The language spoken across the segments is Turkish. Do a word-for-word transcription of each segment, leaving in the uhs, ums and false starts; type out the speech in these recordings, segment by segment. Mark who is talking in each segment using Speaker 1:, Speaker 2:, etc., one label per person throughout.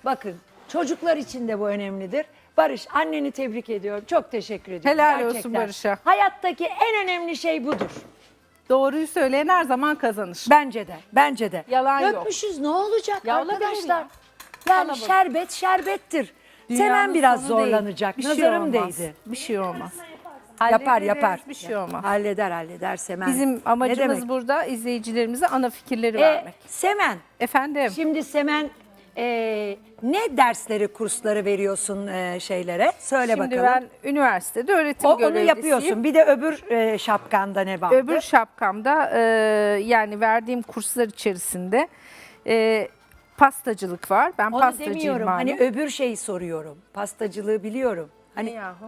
Speaker 1: Bakın çocuklar için de bu önemlidir. Barış, anneni tebrik ediyorum. Çok teşekkür ediyorum.
Speaker 2: Helal olsun
Speaker 1: Gerçekten.
Speaker 2: Barış'a.
Speaker 1: Hayattaki en önemli şey budur.
Speaker 2: Doğruyu söyleyen her zaman kazanır.
Speaker 1: Bence de. Bence de.
Speaker 2: Yalan yok.
Speaker 1: Dökmüşüz ne olacak
Speaker 2: Ya olabilir
Speaker 1: arkadaşlar?
Speaker 2: ya.
Speaker 1: Yani
Speaker 2: Kalabalık.
Speaker 1: şerbet şerbettir.
Speaker 2: Dünyanın
Speaker 1: Semen biraz
Speaker 2: sonu değil.
Speaker 1: zorlanacak.
Speaker 2: Bir şey
Speaker 1: Nazarım
Speaker 2: olmaz.
Speaker 1: değdi.
Speaker 2: Bir şey olmaz.
Speaker 1: Yapar
Speaker 2: Hallederiz,
Speaker 1: yapar.
Speaker 2: Bir şey olmaz.
Speaker 1: Halleder halleder Semen.
Speaker 2: Bizim
Speaker 1: Ne
Speaker 2: amacımız
Speaker 1: demek?
Speaker 2: burada izleyicilerimize ana fikirleri
Speaker 1: E,
Speaker 2: vermek.
Speaker 1: Semen.
Speaker 2: Efendim?
Speaker 1: Şimdi Semen e, ne dersleri, kursları veriyorsun e, şeylere? Söyle
Speaker 2: Şimdi
Speaker 1: bakalım.
Speaker 2: ben üniversitede öğretim
Speaker 1: O, onu
Speaker 2: görevlisiyim.
Speaker 1: yapıyorsun. Bir de öbür e, şapkanda ne vardı?
Speaker 2: Öbür şapkamda e, yani verdiğim kurslar içerisinde e, pastacılık var. Ben
Speaker 1: Onu
Speaker 2: pastacıyım
Speaker 1: demiyorum.
Speaker 2: malum.
Speaker 1: Hani öbür şeyi soruyorum. Pastacılığı biliyorum. Hani
Speaker 2: Ne yahu?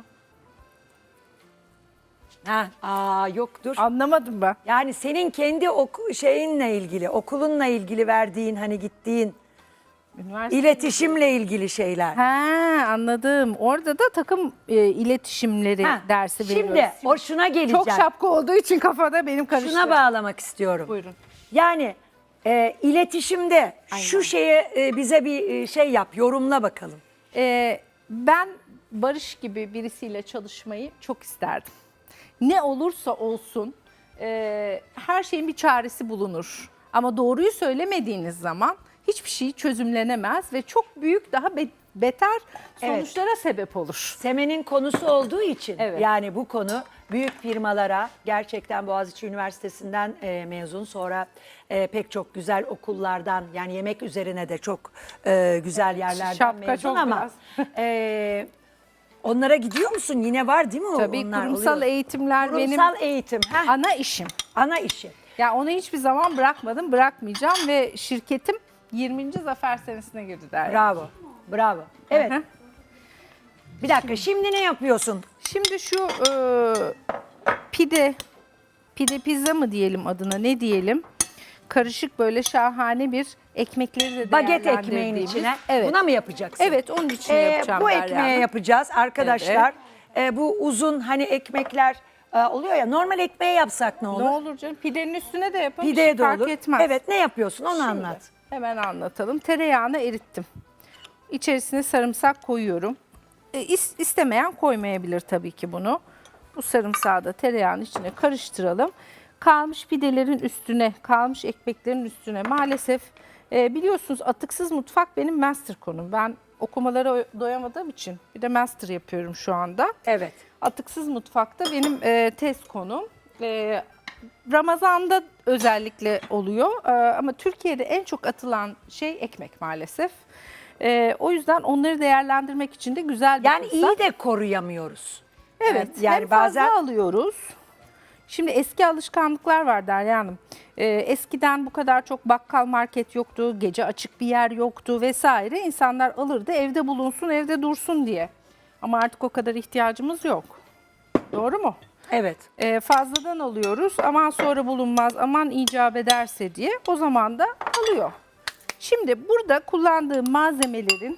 Speaker 1: ha, aa yok dur.
Speaker 2: Anlamadım ben.
Speaker 1: Yani senin kendi oku, şeyinle ilgili, okulunla ilgili verdiğin hani gittiğin
Speaker 2: Üniversite.
Speaker 1: iletişimle ilgili şeyler.
Speaker 2: Ha, anladım. Orada da takım e, iletişimleri
Speaker 1: Ha,
Speaker 2: dersi veriyoruz.
Speaker 1: Şimdi o şuna geleceğim.
Speaker 2: Çok şapka olduğu için kafada benim karıştı.
Speaker 1: Şuna bağlamak istiyorum.
Speaker 2: Buyurun.
Speaker 1: Yani e, iletişimde şu şeye e, bize bir e, şey yap, yorumla bakalım.
Speaker 2: Ee, ben Barış gibi birisiyle çalışmayı çok isterdim. Ne olursa olsun e, her şeyin bir çaresi bulunur. Ama doğruyu söylemediğiniz zaman hiçbir şey çözümlenemez ve çok büyük daha be- beter sonuçlara sebep olur.
Speaker 1: Semen'in konusu olduğu için
Speaker 2: Evet.
Speaker 1: yani bu konu büyük firmalara gerçekten Boğaziçi Üniversitesi'nden e, mezun sonra e, pek çok güzel okullardan yani yemek üzerine de çok e, güzel yerlerden
Speaker 2: Şapka
Speaker 1: mezun
Speaker 2: çok
Speaker 1: ama e, onlara gidiyor musun? Yine var değil mi o?
Speaker 2: Tabii
Speaker 1: onlar
Speaker 2: kurumsal
Speaker 1: oluyor?
Speaker 2: eğitimler
Speaker 1: Kurumsal
Speaker 2: benim
Speaker 1: eğitim. Heh,
Speaker 2: ana işim.
Speaker 1: ana işi.
Speaker 2: Ya onu hiçbir zaman bırakmadım, bırakmayacağım ve şirketim yirminci zafer senesine girdi der.
Speaker 1: Bravo. Bravo. Evet.
Speaker 2: Hı hı.
Speaker 1: Bir dakika şimdi ne yapıyorsun?
Speaker 2: Şimdi şu e, pide, pide pizza mı diyelim adına ne diyelim? Karışık böyle şahane bir ekmekleri de
Speaker 1: Baget ekmeğin
Speaker 2: değerlendirdiğimiz-
Speaker 1: içine.
Speaker 2: Evet.
Speaker 1: Buna mı yapacaksın?
Speaker 2: Evet, onun için
Speaker 1: Ee,
Speaker 2: yapacağım
Speaker 1: Bu
Speaker 2: Derya
Speaker 1: ekmeğe
Speaker 2: Hanım.
Speaker 1: yapacağız arkadaşlar. Ee, bu uzun hani ekmekler e, oluyor ya normal ekmeğe yapsak ne olur?
Speaker 2: Ne olur canım? Pidenin üstüne de yapın.
Speaker 1: Pideye
Speaker 2: hiç
Speaker 1: de
Speaker 2: fark
Speaker 1: olur.
Speaker 2: etmez.
Speaker 1: Evet ne yapıyorsun onu
Speaker 2: Şimdi
Speaker 1: anlat.
Speaker 2: Hemen anlatalım. Tereyağını erittim. İçerisine sarımsak koyuyorum. E, is- istemeyen koymayabilir tabii ki bunu. Bu sarımsağı da tereyağın içine karıştıralım. Kalmış pidelerin üstüne, kalmış ekmeklerin üstüne maalesef e, biliyorsunuz atıksız mutfak benim master konum. Ben okumalara doyamadığım için bir de master yapıyorum şu anda.
Speaker 1: Evet.
Speaker 2: Atıksız mutfakta benim e, tez konum. E, Ramazan'da özellikle oluyor e, ama Türkiye'de en çok atılan şey ekmek maalesef. E, o yüzden onları değerlendirmek için de güzel bir
Speaker 1: Yani
Speaker 2: fırsat.
Speaker 1: iyi de koruyamıyoruz.
Speaker 2: Evet,
Speaker 1: yani
Speaker 2: hem fazla
Speaker 1: bazen
Speaker 2: alıyoruz. Şimdi eski alışkanlıklar var Derya Hanım. Ee, eskiden bu kadar çok bakkal market yoktu, gece açık bir yer yoktu vesaire. İnsanlar alırdı evde bulunsun, evde dursun diye. Ama artık o kadar ihtiyacımız yok. Doğru mu?
Speaker 1: evet.
Speaker 2: Ee, fazladan alıyoruz, aman sonra bulunmaz, aman icap ederse diye o zaman da alıyor. Şimdi burada kullandığım malzemelerin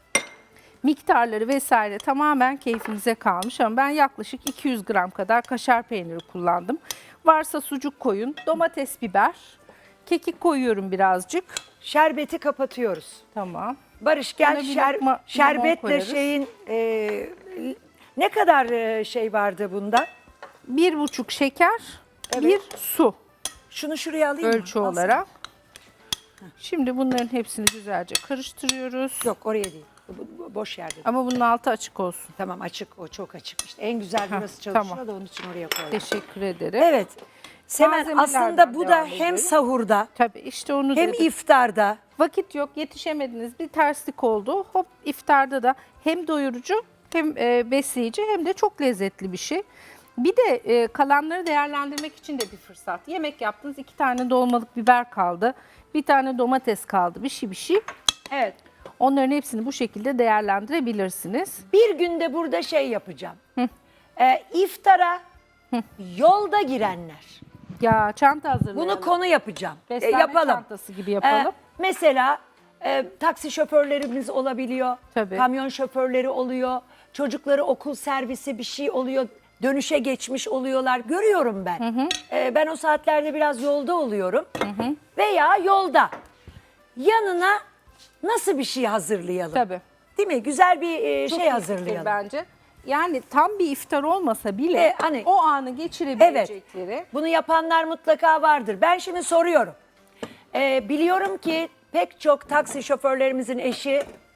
Speaker 2: miktarları vesaire tamamen keyfinize kalmış ama ben yaklaşık iki yüz gram kadar kaşar peyniri kullandım. Varsa sucuk koyun, domates, biber, kekik koyuyorum birazcık.
Speaker 1: Şerbeti kapatıyoruz.
Speaker 2: Tamam.
Speaker 1: Barış gel
Speaker 2: Ona bir
Speaker 1: şer-
Speaker 2: lokma limon
Speaker 1: şerbetle
Speaker 2: koyarız.
Speaker 1: şeyin e, ne kadar e, şey vardı bunda?
Speaker 2: Bir buçuk şeker,
Speaker 1: Evet.
Speaker 2: bir su
Speaker 1: Şunu şuraya alayım mı?
Speaker 2: ölçü
Speaker 1: Al sen.
Speaker 2: olarak. Şimdi bunların hepsini güzelce karıştırıyoruz.
Speaker 1: Yok oraya değil. Bu- bu- Boş yerde.
Speaker 2: Ama bunun altı açık olsun.
Speaker 1: Tamam açık o çok açık işte. En güzel
Speaker 2: Heh,
Speaker 1: burası çalışıyor
Speaker 2: tamam.
Speaker 1: da onun için oraya koydum.
Speaker 2: Teşekkür ederim.
Speaker 1: Evet. Semen
Speaker 2: Malzemelerden
Speaker 1: aslında bu da
Speaker 2: devam
Speaker 1: hem
Speaker 2: ediyorum.
Speaker 1: sahurda
Speaker 2: Tabii işte onu
Speaker 1: hem
Speaker 2: dedim.
Speaker 1: iftarda
Speaker 2: Vakit yok, yetişemediniz, bir terslik oldu. Hop iftarda da hem doyurucu hem e, besleyici hem de çok lezzetli bir şey. Bir de e, kalanları değerlendirmek için de bir fırsat. Yemek yaptınız, iki tane dolmalık biber kaldı, bir tane domates kaldı, bir şey bir şey.
Speaker 1: evet.
Speaker 2: Onların hepsini bu şekilde değerlendirebilirsiniz.
Speaker 1: Bir günde burada şey yapacağım. Ee, iftara yolda girenler.
Speaker 2: Ya çanta hazırlayalım.
Speaker 1: Bunu konu yapacağım. Ee,
Speaker 2: Beslenme
Speaker 1: yapalım.
Speaker 2: çantası gibi yapalım.
Speaker 1: Ee, mesela e, taksi şoförlerimiz olabiliyor.
Speaker 2: Tabii.
Speaker 1: Kamyon şoförleri oluyor. Çocukları okul servisi bir şey oluyor. Dönüşe geçmiş oluyorlar. Görüyorum ben. Ee, ben o saatlerde biraz yolda oluyorum. Veya yolda. Yanına nasıl bir şey hazırlayalım?
Speaker 2: Tabii.
Speaker 1: Değil mi? Güzel bir e,
Speaker 2: Çok
Speaker 1: şey
Speaker 2: iyi fikir
Speaker 1: hazırlayalım.
Speaker 2: bence. Yani tam bir iftar olmasa bile
Speaker 1: E, hani-
Speaker 2: o anı geçirebilecekleri.
Speaker 1: Bunu yapanlar mutlaka vardır. Ben şimdi soruyorum. Ee, biliyorum ki pek çok taksi şoförlerimizin eşi